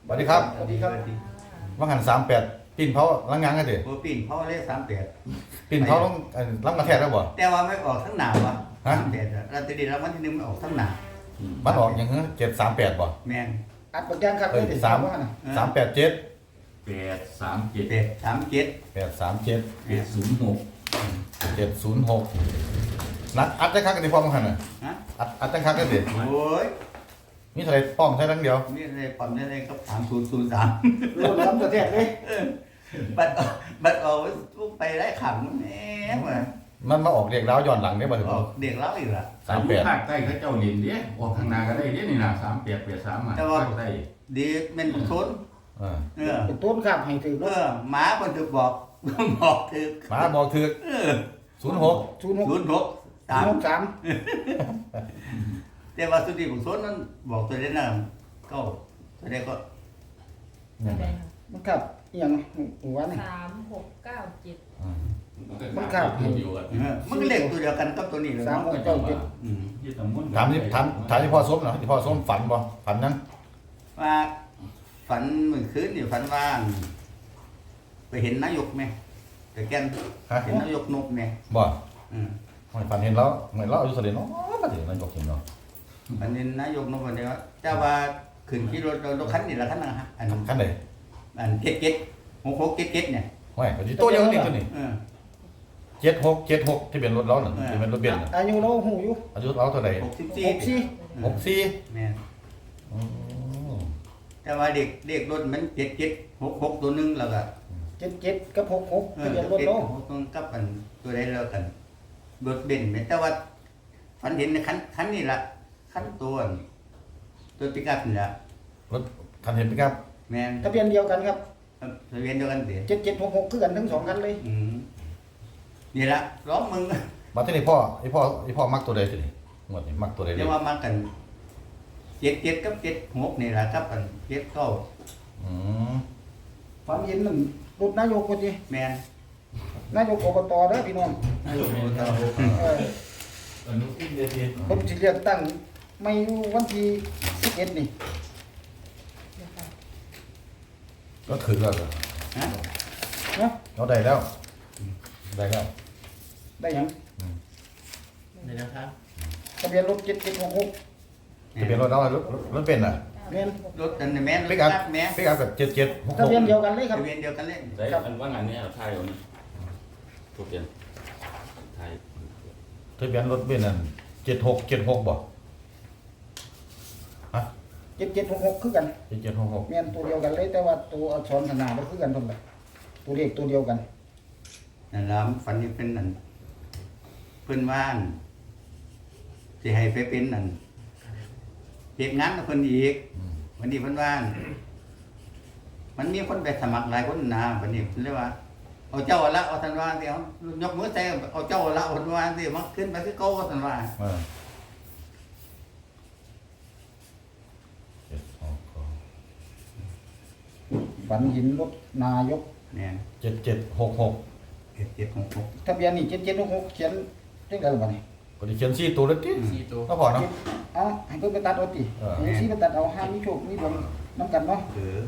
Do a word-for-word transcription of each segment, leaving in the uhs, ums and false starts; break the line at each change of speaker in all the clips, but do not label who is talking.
สวัสดีครับ
สวัสดีครับ
ว่างหันสามแปดปีนเผาลังงานกันดิ
โปรปีนเพราะว่าเลขสามแปด
ปีนเผาต้องรับกระแทกแล้วบ่
แต่ว่าไม่ออกทั้งหนาวะ
ฮะ
สามแปดเราจะดีแล้ววันที่หนึ่งมันออกทั้งหนา
มันออกอย่างเงี้ยเจ็ดสามแปดบ่
แมน
อัดบักย่างครับ
เอ้ย
ดี๋ยว
สาม
ว่าน่ะ
สามแปดเจ็ด
แปดสามเจ็ด
แปดสามเจ็ด
แปดสามเจ็ด
เจ็ดศูนย์หก
เจ็ดศูนย์หกนัดอัดจังคักกันดิพ่อมังหันน่ะ
ฮะ
อัดอัดจังคักกันดิ
โอ้ย
มีเท่าไหรป้อมใช้ทั้งเดียว
นี่อะไรปั๊มนี่อะไรก็สามศูนย์ศูนย์สาม
โลดล้ำประเทศเลย
บัตรออกบัตรออกทุกไปได้ขังแหมว่ะ
มันมาออกเรียกแล้วย้อนหลังได้บ่ถึง
ออกเด็กเล่าอีกละ
สามแปด
ภาคใต้เขาเจ้าเรียนเด้ออกข้างหน้าก็ได้เด้นี่นะสามแปดแปดสามอ่ะภาคใต้
ดีเป็นชน
เออ
เออ
เป็นต้นข้ามให้ถือ
เออหมาคนถึกบอก บอกถึก
หมาบอกถือ
เออ
ศูนย์หก
ศูนย์หก
ศูนย์หก
สา
สาม ม
หกสาม
แต่ว่าสุดที่ผมชนนั้นบอกตัวเล่นน่ะก็ตัวเล่นก็
มันขับอหย่างหัวนี่
สามหกเก้าเจ็ด
มันขับ
อยู่กัน
เออมันก็เลขตัวเดียวกันกับตัวนี้เลย
สาม
เนาะ
หกเก้าเจ็ด
อืม
ยี่ตำมุน
ถามที่ถามถามที่พ่อส้มหน่อยที่พ่อส้มฝันบ่ฝันนั้น
ว่าฝันเมื่อคืนนี่ฝันว่าไปเห็นนายกไหมแต่แกน
ฮะ
เห็นนายกนกไหม
บ่
อืม
ไม่ฝันเห็นแล้วเหมือนเราอายุเท่าไหร่เนาะมาถึงนั่นยกเห็นเนาะ
ฝันเห็นนายกนกวันเดียวเจ้าว่าขึ้นขี่รถรถคันนี่ละคันนะฮะอัน
ขั้นไหน
อันเก็ดเก็ดหกหกเก็ดเก็ดเนี่ย
ไม่ก็สิตัวเดียวกันนี่ตัวนี้
เออ
เจ็ดหกเจ็ดหกที่เป็นรถเราน่ะที่เป็นรถเบนซ์น่ะ
อายุเราหูอยู่
อายุเราเท่าไหร่
หกสิบสี่
หกสี่
หกสี่
แม่น
อืม
แต่ว่าเด็กเด็กรถมันเจ็ดเจ็ดหกหกตัวหนึงแล้วก็
เจ็ดเจ็ดกับหกหก
เอ
ทะ
อ
เบียนรถ
เจ็ด
เรา
หกตัวกับอันตัวใดแล้วกันรถเบนซ์แม่นแต่ว่าฝันเห็นในคันคันนี่ละคันตัวอันตัวปิกอัพนี่ละ
รถคันเห็นไหมครับ
แม่น
ทะเบียนเดียวกันครับ
ทะเบียนเดียวกันเดี๋ยว
เจ็ดเจ็ดหกหกคือกันทั้งสองคันเลย
อืมนี่ละร้องมึง
มาที่นี่พ่อไอพ่อไอพ่อมักตัวใดตัวนี้หมดนี่มักตัวใดเล
เรี
ย
ยกว่ามากันเจ็ดเจ็ดกับเจ็ดหกนี่ละครับอันเจ็ดเก้า
อืม
ความเห็นนั่นรถนายกพอดี
แม่น
นายกอบตเด้อพี่น้อง
นายกเป็นเรา
เออ
อนุทินเดช
ผมสิเลือกตั้งไม่วันที่สิบเอ็ดนี่
ก็ถือแล้วเหรอ
ฮะ
เนาะ
เราได้แล้วได้แล้ว
ได้หยัง
นี่นะครับ
ทะเบียนรถเจ็ดเจ็ดหกหก
จะเป็นรถเรารถรถรถเป็นอ่ะ
แม่น
รถอันนี้แม่นร
ปิ
ถ
กอัพ
นักแม่
ปิกอัพกับเจ็ดเจ็ดหก
ทะ
หก
เบียนเดียวกันเลยครับ
ทะเบียนเดียวกันเลย
ได้อันว่างานนี้เอาไทยเอานี่ทุกเดือนไทย
ทะเบียนรถเป็นนั่นเจ็ดหกเจ็ดหกบ่ฮะ
เจ็ดเจ็ดหกหกคือกัน
เจ็ดเจ็ดหกหก
แม่นตัวเดียวกันเลยแต่ว่าตัวอักษรขนาดบ่คือกันเท่าไหร่ตัวเลขตัวเดียวกัน
นั่นล่ะฝันนี่เป็นนั่นเพิ่นว่าอั่นสิให้ไปเป็นนั่นเฮ็ดงานกับเพิ่นอีก
อืม
วันนี้เพิ่นว่าอั่นมันมีคนไปสมัครหลายคนนะวันนี้เพิ่นเลยว่าเอาเจ้าละเอาท่านว่าเดี๋ยวยกมือใส่เอาเจ้าละเอาท่านว่าสิมาขึ้นไปคือเก่าท่านว่า
เออเจ็ดหกหก
ฝันเห็นรถนายก
เนี่ย
เจ็ดเจ็ดหกหก
เจ็ดเจ็ดหกหก
ทะเบียนนี่เจ็ดเจ็ดหกหกเขียนจังได๋ล่ะบัดนี้
ก็ได้เขียนสี่ตัวเลยที่
สี่ตัว
ก็พอเนาะ
เอาให้เพิ่นไปตัดเอาติ
เออ
ให้สิไปตัดเอาห้ามมีโชคมีดวงนํกันเนาะ
เออ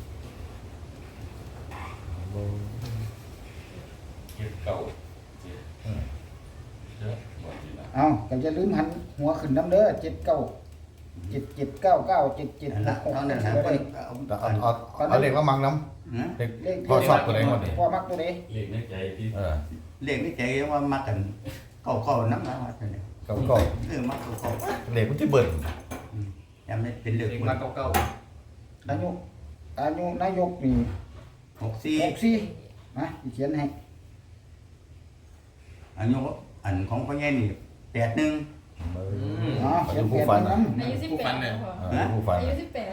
เจ็ดเก้าเจ็ดเจ็ดบอกทีละ
เอาก็อย่าลืมหันหัวขึ้นนำเด้อเจ็ดเก้าเจ็ดเจ็ดเก้าเก้าเจ็ดเจ็ด
นั่น
ห
ละ
กหก
เท่านั้น
ก็
นะ
ได้
เพิ่นเอา
เอาเอาเอาเลขละมังน้
ฮะ
ำเลขพ่อชอบตัวไหนหมดนี่
พ่อมักตัวใด
เลขในใจที่
เออ
เลขนี่ใจว่ามากันเก่าเก่าน้ำนะว่าเนี่ย
เก้าเก้า
เออมาเก่าเก่า
เลขมันที่เบิ่น
ยังไม่เป็นเลข
มาเก้าเก้า
อายุอายุนายกนี่
หกสี่
หกสี่นะเขียนให้
อายุอันของพ่อใหญ่นี่แปดหนึ่ง
อ๋อ
อา
เขีย
ยุ
น
ผู้
แปด
ฟัน
นั้
นะ
น
อายุสิบแปดแล้วพอ
เออผู้ฟัน
อายุ
นะ
สิบแปด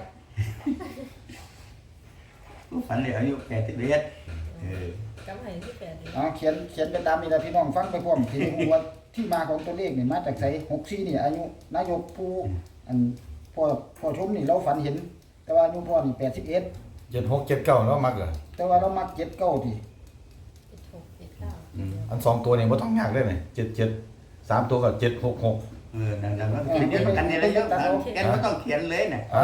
ผู้ฝันเลยอายุแปดสิบเอ็ดเออก
ำอายุสิบแปดเลย
อ๋อเขียนเขียนไปตามนี้ละพี่น้องฟังไปพร้อมที่รู้ว่าที่มาของตัวเลขนี่มาจากไสหกสี่นี่อายุนายกผู้อันพ่อพ่อชมนี่เราฝันเห็น แต่ว่าอายุพ่อนี่แปดสิบเอ็ด
เจ็ดหกเจ็ดเก้าแล้วมักเหรอ
แต่ว่าเรามักเจ็ดเก้าที
เจ็ดหกเจ็ดเก้า
อันสองตัวนี่บ่ต้องยากเลยนี่เจ็ดเจ็ดสามตัวก็เจ็ดหกหก
เออนั่นแหละมันเป็นเดียวกันนี่แหละเยอะแกไม่ต้องเขียนเลยนะเจ็ด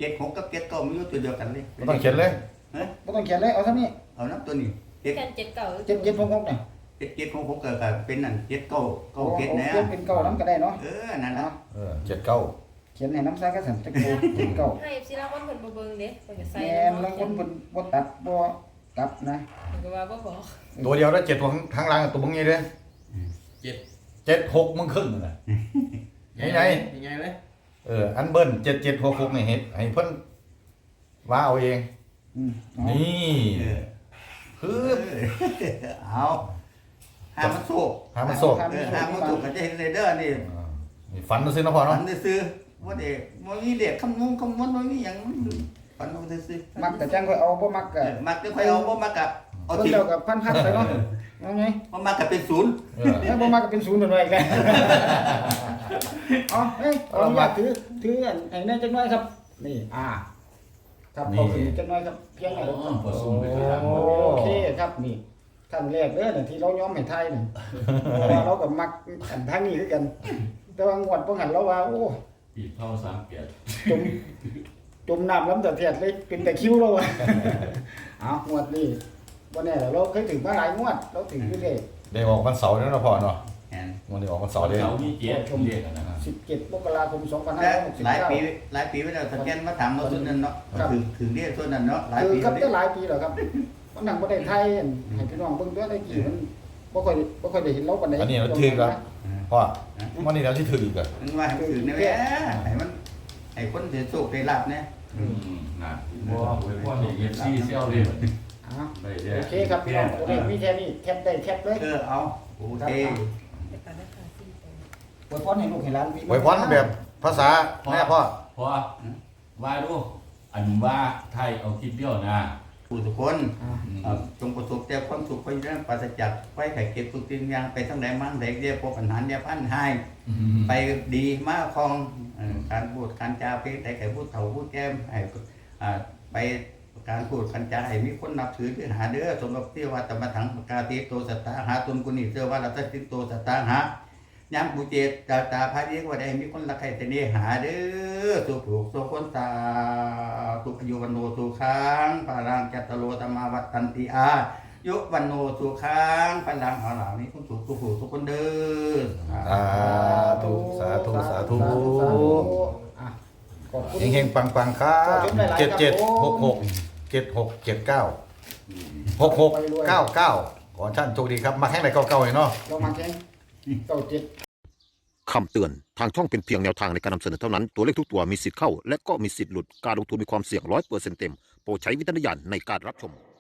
จ็ดหกกับเจ็ดเก้ามันอยู่ตัวเดียวกันเลย
ไม่ต้องเขียนเลย
เฮ้ย
บ่ต้องเขียนเลยเอาเท่านี้
เอาน้ำตัวนี้เจ็ด
แค่เจ็ดเก่า
เจ็ดเจ็ดหกหกเนี่ย
เจ็ดเจ็ดของผมก็ก็เป็นนั่นเจ็ดเก้าเก้าเจ็ด
โอ้
นะ
เขียนเป็นเก้าน้ำก็ได้เนาะ
เออนั่นละ
เออเจ็ดเก้า
เขียนให้น้ำซากระสันตะโกเจ็ดเก้า
ให้สิลางคนเพิ่นบ่เบิ่งเด้เพิ่นก็ใส่
แม่นลางคนเพิ่นบ่ตัดบ่กลับนะ
เพิ่นก็ว่าบ่บอก
ตัวเดียวแล้วเจ็ดตัวข้างล่างตัวมึงงี้เลย
เจ็ด
เจ็ดหกมึงครึ่งน่ะ ยังไง
ยังไงเลย
เอออันเบิ้ลเจ็ดเจ็ดหกหกนี่เห็นให้เพิ่นว่าเอาเอง
อืมเอา
นี่
เออ
คือ
เอาหามันโศก
หามันโศก
เออหามันโศกก็จะเห็นเลยเด้อนี่
อ่านี่ฝันซื้อนะพ่อ
ฝั
เนาะ
นซื้อว่าเด็กมันมีเด็กคำนงคำนวณมันมีอย่างฝันเอาซื้อ
มักแต่จังค่อยเอาบ่มัก
เอ
ก็
อมักจะค่อยเอาบ่มักกะเอา
เพิ่น
ทิ้ง
แล้วก็พันๆไปเนาะเอาไง
บ่มักกะเป็นศูนย์
เออ
ถ้าบ่มักก็เป็นศูนย์นั่นไว้กัน เอาเฮ้ยขออนุญาตถือถืออันไอ้นั่นจังน้อยครับ นี่อ่า ครับขอถือจังน้อยครับเพียงหน่อยครับ
พอซุ่มไปที่ทาง
โอเคครับนี่ท่านแรกเด้อน่ะที่เราย้อมให้ไทยนี่เพราะว่าเราก็มักอันทางนี้คือกัน แต่ว่างวดบ่หันเราว่าโอ้
ปีเข้าสามเกียรติ
จมจมน้ำล้ำแต่เทียดเลยเป็นแต่คิ้วเราอะ เอางวดนี้วันนี้เราเคยถึงมาหลายงวด เราถึงอยู่เลย
ได้ออกวันเสาร์แล้วนะพ่อเนาะ
แม่น
วันนี้ออกวันเสาร์เลย
เขามีเกียรติเรียกกันนะครับ
สิบเจ็ดมกราคมสองพันห้า
และ
ร้อยหกสิบ
หลาย
เก้า
ปีหลายปีไว้แล้วสแกนมาถามเราส่วนนั้นเนาะถึงถึงเรียกส่วนนั้นเนาะหลาย
คือ
ปี
กับ
แล้ว
ได้หลายปีแล้วครับวันหนังประเทศไทยอันให้พี่น้องเบิ่งด้วยได้กี่มันบ่ค่อยบ่ค่อยได้เห็นเราปานใด
อันนี้เราถือครับพ่อวันนี้เราที่ถืออีกอะ
มันว่าให้ถึงนี่แหละให้มันให้คนเสียโชคได้ลาบนะ
อืมน่ะบ่พ่อนี่เอฟซีเซี่ยวเลย
อ่า
ได้เด้
โอเคครับพี่น้องตัวเลขมีแค่นี้แคปได้แคปเลย
เออเอาโอเค
ไปตัดราคาสี่ตัว
อวยพรให้ลูกให้หลานพี่
ไว้พรแบบภาษาแม่พ่อ
พอว่าดูอันว่าไทยเอาคลิปเดียวนะ
ผู้ทุกคน
อ่า
เอ่อจงประสบแต่ความสุขไปเรื่องปราศจากไฟไข่เก็บทุกสิ่งอย่างไปทั้งไหนมั่งไหนเรียกพวกปัญหาเนี่ยพันหาย ไปดีมากคองเอ่อการพูดการจาเพศแต่ไข่พูดเถ่าพูดแก้มให้อ่าไปการพูดการจาให้มีคนนับถือที่หาเด้อสมบัติที่ว่าตมถังปกาติโตสัตตาหาตนกุณิเสื้อว่าเราตัดสินโตสัตตาหาย้ำบูเจตตาตาพายเรียกว่าได้มีคนรักใครแต่นี่หาเด้อสุขสุขคนตาสุขอยู่วันโนสุขังปารังจัตตโลธรรมาวัตตันติอายุวันโนสุขังพลังเอาเหล่านี้ทุกสุขทุกผู้ทุกคนเด้อ
สาธุสาธุสาธุ
อ่ะขอบคุณ
เฮงๆปังๆครับเจ็ดเจ็ดหกหกเจ็ดหกเจ็ดเก้าหกหกเก้าเก้าขอท่านโชคดีครับมาแข่งไหนเก้าเก้าเนาะ
เรามาแข่งเก้าเจ็ด
คำเตือน ทางช่องเป็นเพียงแนวทางในการนำเสนอเท่านั้น ตัวเลขทุกตัวมีสิทธิ์เข้า และก็มีสิทธิ์หลุด การลงทุนมีความเสี่ยงร้อยเปอร์เซ็นต์เต็ม โปรดใช้วิจารณญาณในการรับชม